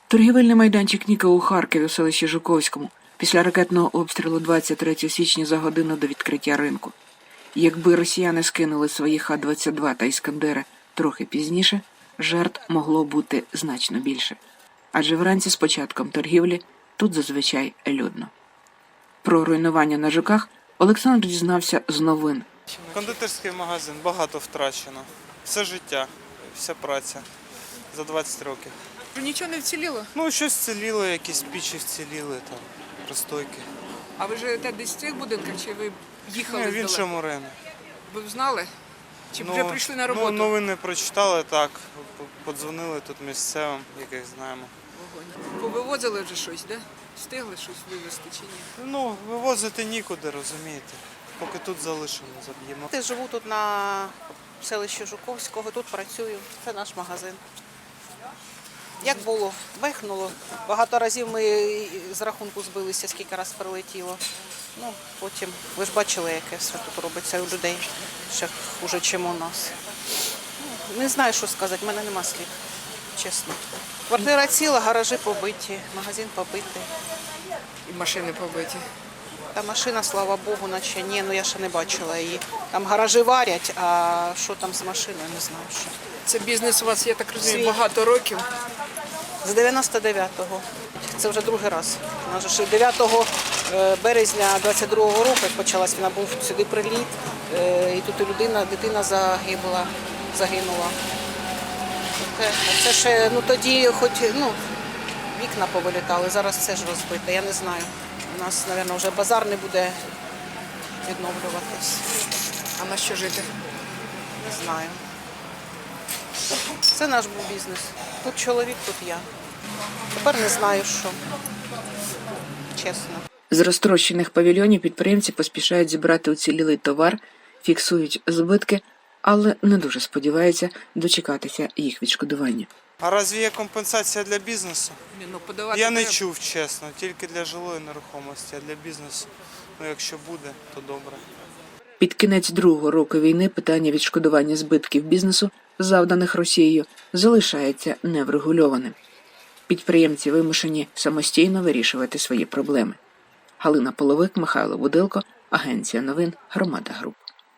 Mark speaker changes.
Speaker 1: Торгівельний майданчик Ніка у Харкові у селищі Жуковському після ракетного обстрілу 23 січня за годину до відкриття ринку. Якби росіяни скинули свої Х-22 та Іскандери трохи пізніше, жертв могло бути значно більше. Адже вранці з початком торгівлі тут зазвичай людно. Про руйнування на Жуках Олександр дізнався з новин.
Speaker 2: Кондитерський магазин, багато втрачено. Все життя, вся праця за 20 років.
Speaker 3: Нічого не вціліло?
Speaker 2: Ну, щось вціліло, якісь пічі вціліли, там, пристойки.
Speaker 3: А ви живете десь в цих будинках, чи ви їхали
Speaker 2: В
Speaker 3: здалеку?
Speaker 2: іншому районі.
Speaker 3: Ви б знали? Чи вже прийшли на роботу?
Speaker 2: Ну, новини прочитали, так, подзвонили тут місцевим, яких знаємо.
Speaker 3: Вогонь. Повивозили вже щось, да? Встигли щось вивезти чи ні?
Speaker 2: Ну, вивозити нікуди, розумієте. Поки тут залишимо, заб'ємо.
Speaker 4: Я живу тут на селищі Жуковського, тут працюю. Це наш магазин. Як було? Вихнуло. Багато разів ми з рахунку збилися, скільки раз прилетіло. Ну, потім, ви ж бачили, яке все тут робиться у людей. Ще хуже, ніж у нас. Ну, не знаю, що сказати, в мене нема слів, чесно. Квартира ціла, гаражі побиті, магазин побитий.
Speaker 3: І машини побиті.
Speaker 4: Та машина, слава Богу, наче ні, ну я ще не бачила її. Там гаражі варять, а що там з машиною, не знаю. Що.
Speaker 3: Це бізнес у вас, я так розумію,
Speaker 4: Свій.
Speaker 3: багато років.
Speaker 4: З 99-го. Це вже другий раз. У нас же 9 березня 22-го року, як почалась війна, був сюди приліт, і тут і дитина загинула. Це ще, ну тоді хоч, вікна повилітали, зараз все ж розбите, я не знаю. У нас, мабуть, вже базар не буде відновлюватись.
Speaker 3: А на що жити?
Speaker 4: Не знаю. Це наш був бізнес. Тут чоловік, тут я. Тепер не знаю, що. Чесно.
Speaker 1: З розтрощених павільйонів підприємці поспішають зібрати уцілілий товар, фіксують збитки, але не дуже сподіваються дочекатися їх відшкодування.
Speaker 2: А разві є компенсація для бізнесу?
Speaker 3: Ні, ну, подавати
Speaker 2: Я не
Speaker 3: треба.
Speaker 2: чув, чесно, тільки для жилої нерухомості, а для бізнесу, ну якщо буде, то добре.
Speaker 1: Під кінець другого року війни питання відшкодування збитків бізнесу, завданих Росією, залишається неврегульованим. Підприємці вимушені самостійно вирішувати свої проблеми. Галина Половик, Михайло Будилко, Агенція новин «Громада Груп».